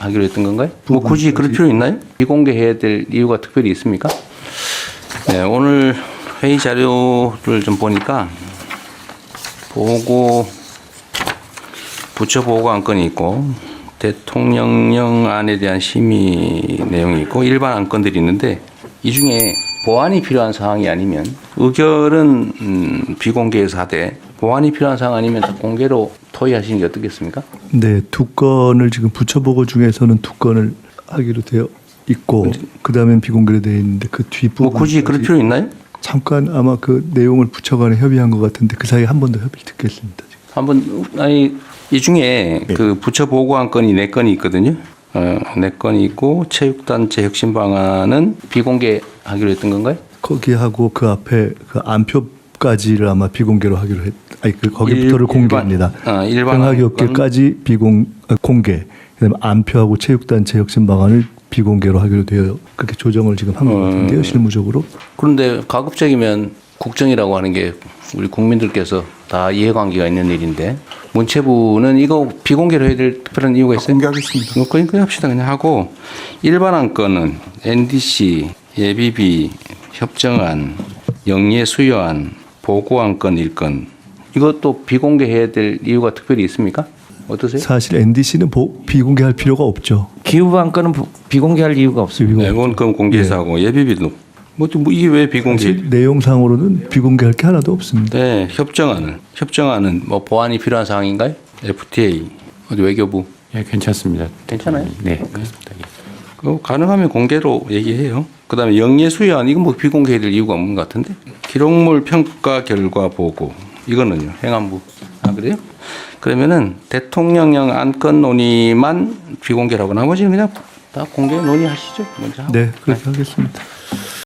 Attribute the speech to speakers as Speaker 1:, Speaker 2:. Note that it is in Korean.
Speaker 1: 하기로 했던 건가요? 뭐 굳이 그럴 필요 있나요? 비공개해야 될 이유가 특별히 있습니까? 네, 오늘 회의 자료를 좀 보니까 부처 보고 안건이 있고 대통령령안에 대한 심의 내용이 있고 일반 안건들이 있는데 이 중에 보완이 필요한 사항이 아니면 의결은 비공개에서 하되 보완이 필요한 사항 아니면 공개로 토의하시는 게 어떻겠습니까?
Speaker 2: 네, 두 건을 지금 부처 보고 중에서는 두 건을 하기로 되어 있고 그 다음엔 비공개로 되어 있는데 그 뒷부분
Speaker 1: 뭐 굳이 그럴 필요 있나요?
Speaker 2: 잠깐 아마 그 내용을 부처 간에 협의한 것 같은데 그 사이에 한 번 더 협의를 듣겠습니다. 지금.
Speaker 1: 한번 아니 이 중에 그 부처 보고 안건이 4건이 있거든요. 4건이 있고 체육단체 혁신 방안은 비공개하기로 했던 건가요?
Speaker 2: 거기하고 그 앞에 그 안표까지를 아마 비공개로 하기로 그 거기부터를 공개합니다.
Speaker 1: 일반
Speaker 2: 평화기업계까지 공개. 그다음에 안표하고 체육단체 혁신 방안을 비공개로 하기로 되어 그렇게 조정을 지금 한 것 같은데요, 실무적으로.
Speaker 1: 그런데 가급적이면 국정이라고 하는 게 우리 국민들께서 다 이해관계가 있는 일인데 문체부는 이거 비공개로 해야 될 특별한 이유가 있어요?
Speaker 3: 공개하겠습니다.
Speaker 1: 그냥 합시다. 그냥 하고 일반 안건은 NDC, 예비비, 협정안, 영예 수여안, 보고 안건 1건 이것도 비공개해야 될 이유가 특별히 있습니까? 어떠세요?
Speaker 2: 사실 NDC는 비공개할 필요가 없죠.
Speaker 4: 기후 안건은 비공개할 이유가 없습니다.
Speaker 1: 네, 그건 공개해서 하고 예비비도 뭐 이게 왜 비공개?
Speaker 2: 사실 내용상으로는 비공개할 게 하나도 없습니다.
Speaker 1: 네, 협정안은 뭐 보완이 필요한 사항인가요? FTA 어디 외교부
Speaker 4: 예, 괜찮습니다.
Speaker 1: 괜찮아요?
Speaker 4: 네, 그렇습니다.
Speaker 1: 그 가능하면 공개로 얘기해요. 그다음에 영예 수여안 이건 뭐 비공개해야 될 이유가 없는 것 같은데 기록물 평가 결과 보고 이거는요 행안부 그래요? 그러면은 대통령령 안건 논의만 비공개라고 나머지는 그냥 다 공개 논의하시죠. 먼저 하고.
Speaker 2: 네, 그렇게 하겠습니다.